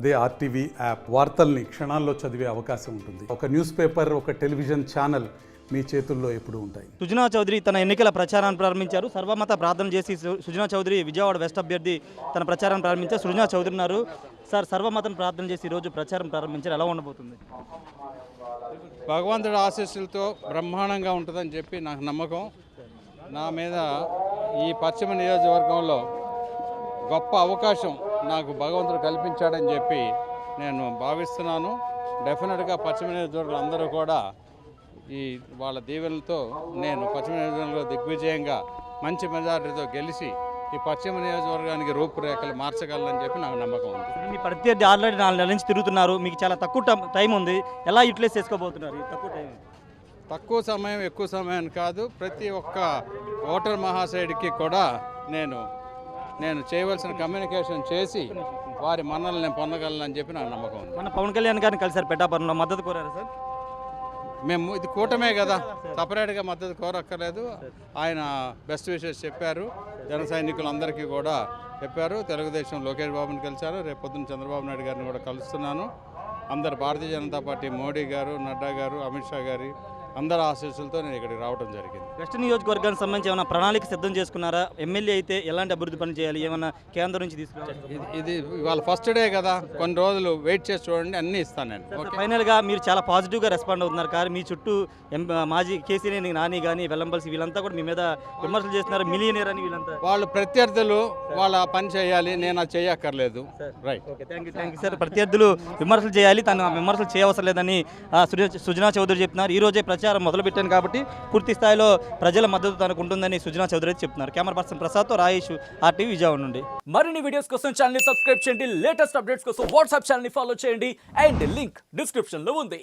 అదే RTV app వార్తల్ని క్షణాల్లో చదివే అవకాశం ఉంటుంది. ఒక న్యూస్ పేపర్, ఒక టెలివిజన్ ఛానల్ మీ చేతుల్లో ఎప్పుడూ ఉంటాయి. సుజనా చౌదరి తన ఎన్నికల ప్రచారాన్ని ప్రారంభించారు. సర్వమత ప్రార్థన చేసి సుజనా చౌదరి విజయవాడ వెస్ట్ అభ్యర్థి తన ప్రచారం ప్రారంభించారు. సుజనా చౌదరి ఉన్నారు. సార్, సర్వమతం ప్రార్థన చేసి ఈరోజు ప్రచారం ప్రారంభించారు. ఎలా ఉండబోతుంది? భగవంతుడి ఆశీస్సులతో బ్రహ్మాండంగా ఉంటుందని చెప్పి నాకు నమ్మకం. నా మీద ఈ పశ్చిమ నియోజకవర్గంలో గొప్ప అవకాశం నాకు భగవంతుడు కల్పించాడని చెప్పి నేను భావిస్తున్నాను. డెఫినెట్గా పశ్చిమ నియోజకవర్గం అందరూ కూడా ఈ వాళ్ళ దీవెనలతో నేను పశ్చిమ నియోజకవర్గంలో దిగ్విజయంగా మంచి మెజారిటీతో గెలిచి ఈ పశ్చిమ నియోజకవర్గానికి రూపురేఖలు మార్చగలనని చెప్పి నాకు నమ్మకం ఉంది. మీ ప్రత్యర్థి ఆల్రెడీ 4 నెలల నుంచి తిరుగుతున్నారు. మీకు చాలా తక్కువ టైం ఉంది. ఎలా యూటిలైజ్ చేసుకోబోతున్నారు ఈ తక్కువ టైం? తక్కువ సమయం ఎక్కువ సమయం కాదు, ప్రతి ఒక్క ఓటర్ మహాశయుడికి కూడా నేను చేయవలసిన కమ్యూనికేషన్ చేసి వారి మన్నలు నేను పొందగలనని చెప్పి నాకు నమ్మకం ఉంది. మన పవన్ కళ్యాణ్ గారిని కలిసారు పిఠాపురంలో, మద్దతు కోరారు సార్? మేము ఇది కూటమే కదా, సపరేట్గా మద్దతు కోరక్కర్లేదు. ఆయన బెస్ట్ విషెస్ చెప్పారు, జన సైనికులందరికీ కూడా చెప్పారు. తెలుగుదేశం లోకేష్ బాబుని కలిశారు, రేపు పొద్దున్న చంద్రబాబు నాయుడు గారిని కూడా కలుస్తున్నాను. అందరు భారతీయ జనతా పార్టీ మోడీ గారు, నడ్డా గారు, అమిత్ షా గారి అందరి ఆశీస్సులతో నేను ఇక్కడికి రావడం జరిగింది. వెస్ట్ నియోజకవర్గానికి సంబంధించి ఏమైనా ప్రణాళిక సిద్ధం చేసుకున్నారా? ఎమ్మెల్యే అయితే ఎలాంటి అభివృద్ధి పని చేయాలి, ఏమైనా కేంద్రం నుంచి తీసుకురావాలి? ఇది ఇవాళ ఫస్ట్ డే కదా, కొన్ని రోజులు వెయిట్ చేసి చూడండి, అన్నీ ఇస్తాను నేను. ఓకే. ఫైనల్గా మీరు చాలా పాజిటివ్గా రెస్పాండ్ అవుతున్నారు. కానీ మీ చుట్టూ మాజీ కేసీనేని నాని కానీ వెల్లంపల్సి వీళ్ళంతా కూడా మీ మీద విమర్శలు చేస్తున్నారు. మిలియనీర్ అని వీళ్ళంతా వాళ్ళు ప్రత్యర్థులు వాళ్ళ పని చేయాలి, నేను అది చేయక్కర్లేదు. Right. Okay, thank you sir. ప్రత్యర్థులు విమర్శలు చేయాలి, తను విమర్శలు చేయవసరం లేదని సుజనా చౌదరి చెప్తున్నారు. ఈ రోజే ప్రచారం మొదలుపెట్టాను కాబట్టి పూర్తి స్థాయిలో ప్రజల మద్దతు తనకు ఉంటుందని సుజనా చౌదరి చెప్తున్నారు. కెమెరా పర్సన్ ప్రసాద్తో రాయేష్, ఆర్టీవీ విజయవాడ నుండి. మరిన్ని వీడియోస్ కోసం ఛానల్ ని సబ్స్క్రైబ్ చేయండి. లేటెస్ట్ అప్డేట్స్ కోసం వాట్సాప్ ఛానల్ ని ఫాలో చేయండి. అండ్ లింక్ డిస్క్రిప్షన్ లో ఉంది.